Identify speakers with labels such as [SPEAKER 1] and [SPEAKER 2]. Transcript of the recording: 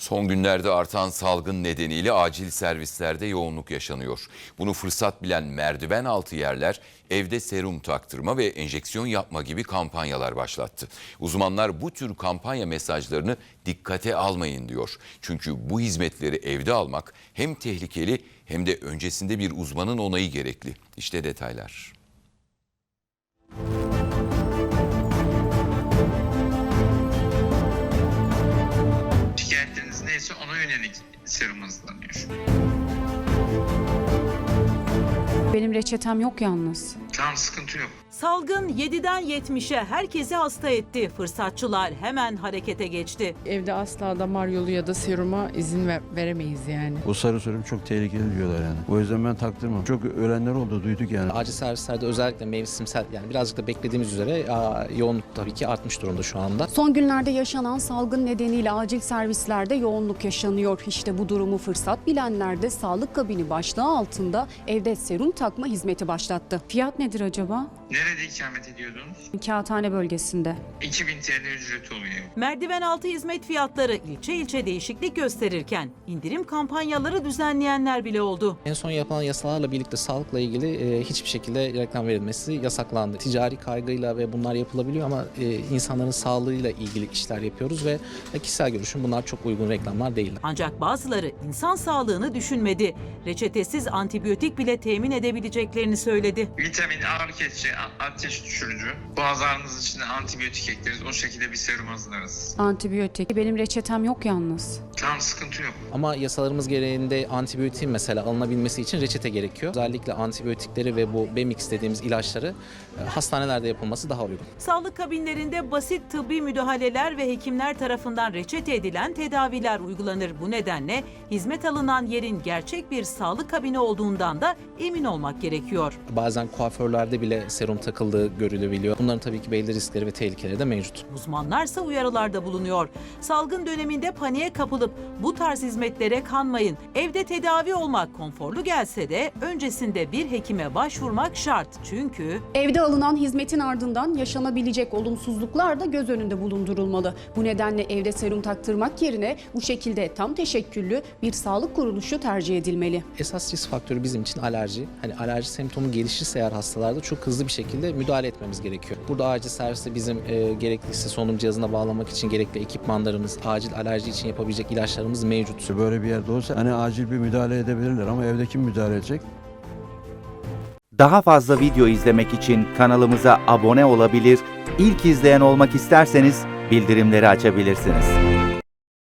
[SPEAKER 1] Son günlerde artan salgın nedeniyle acil servislerde yoğunluk yaşanıyor. Bunu fırsat bilen merdiven altı yerler evde serum taktırma ve enjeksiyon yapma gibi kampanyalar başlattı. Uzmanlar bu tür kampanya mesajlarını dikkate almayın diyor. Çünkü bu hizmetleri evde almak hem tehlikeli hem de öncesinde bir uzmanın onayı gerekli. İşte detaylar.
[SPEAKER 2] Şikayetleriniz neyse ona yönelik serum hazırlanıyor.
[SPEAKER 3] Benim reçetem yok yalnız.
[SPEAKER 2] Tamam, sıkıntı yok.
[SPEAKER 4] Salgın 7'den 70'e herkesi hasta etti. Fırsatçılar hemen harekete geçti.
[SPEAKER 5] Evde asla damar yolu ya da seruma izin veremeyiz yani.
[SPEAKER 6] Bu sarı serum çok tehlikeli diyorlar yani. O yüzden ben taktırmam. Çok ölenler oldu, duyduk yani.
[SPEAKER 7] Acil servislerde özellikle mevsimsel, yani birazcık da beklediğimiz üzere yoğunluk tabii ki artmış durumda şu anda.
[SPEAKER 3] Son günlerde yaşanan salgın nedeniyle acil servislerde yoğunluk yaşanıyor. İşte bu durumu fırsat bilenler de sağlık kabini başlığı altında evde serum takma hizmeti başlattı. Fiyat nedir acaba?
[SPEAKER 2] Nerede ikamet ediyordunuz?
[SPEAKER 3] Kağıthane bölgesinde.
[SPEAKER 2] 2000 TL ücreti oluyor.
[SPEAKER 4] Merdiven altı hizmet fiyatları ilçe ilçe değişiklik gösterirken indirim kampanyaları düzenleyenler bile oldu.
[SPEAKER 7] En son yapılan yasalarla birlikte sağlıkla ilgili hiçbir şekilde reklam verilmesi yasaklandı. Ticari kaygıyla ve bunlar yapılabiliyor ama insanların sağlığıyla ilgili işler yapıyoruz ve kişisel görüşüm bunlar çok uygun reklamlar değil.
[SPEAKER 4] Ancak bazıları insan sağlığını düşünmedi. Reçetesiz antibiyotik bile temin edebileceklerini söyledi.
[SPEAKER 2] Vitamin, ağrı kesici, ateş düşürücü. Boğaz ağrınız için de antibiyotik ekleriz. O şekilde bir serum hazırlarız.
[SPEAKER 3] Antibiyotik. Benim reçetem yok yalnız.
[SPEAKER 2] Tamam, sıkıntı yok.
[SPEAKER 7] Ama yasalarımız gereğinde antibiyotiğin mesela alınabilmesi için reçete gerekiyor. Özellikle antibiyotikleri ve bu Bemix dediğimiz ilaçları hastanelerde yapılması daha uygun.
[SPEAKER 4] Sağlık kabinlerinde basit tıbbi müdahaleler ve hekimler tarafından reçete edilen tedaviler uygulanır. Bu nedenle hizmet alınan yerin gerçek bir sağlık kabini olduğundan da emin olmak gerekiyor.
[SPEAKER 7] Bazen kuaförlerde bile serum takıldığı görülebiliyor. Bunların tabii ki belli riskleri ve tehlikeleri de mevcut.
[SPEAKER 4] Uzmanlarsa uyarılarda bulunuyor. Salgın döneminde paniğe kapılıp bu tarz hizmetlere kanmayın. Evde tedavi olmak konforlu gelse de öncesinde bir hekime başvurmak şart. Çünkü
[SPEAKER 3] Evde alınan hizmetin ardından yaşanabilecek olumsuzluklar da göz önünde bulundurulmalı. Bu nedenle evde serum taktırmak yerine bu şekilde tam teşekküllü bir sağlık kuruluşu tercih edilmeli.
[SPEAKER 7] Esas risk faktörü bizim için alerji. Hani alerji semptomu gelişirse eğer hastalarda çok hızlı bir şekilde müdahale etmemiz gerekiyor. Burada acil serviste bizim gerekliyse solunum cihazına bağlamak için gerekli ekipmanlarımız, acil alerji için yapabilecek ilaçlarımız mevcut.
[SPEAKER 6] Böyle bir yerde olsa hani acil bir müdahale edebilirler ama evde kim müdahale edecek?
[SPEAKER 8] Daha fazla video izlemek için kanalımıza abone olabilir, ilk izleyen olmak isterseniz bildirimleri açabilirsiniz.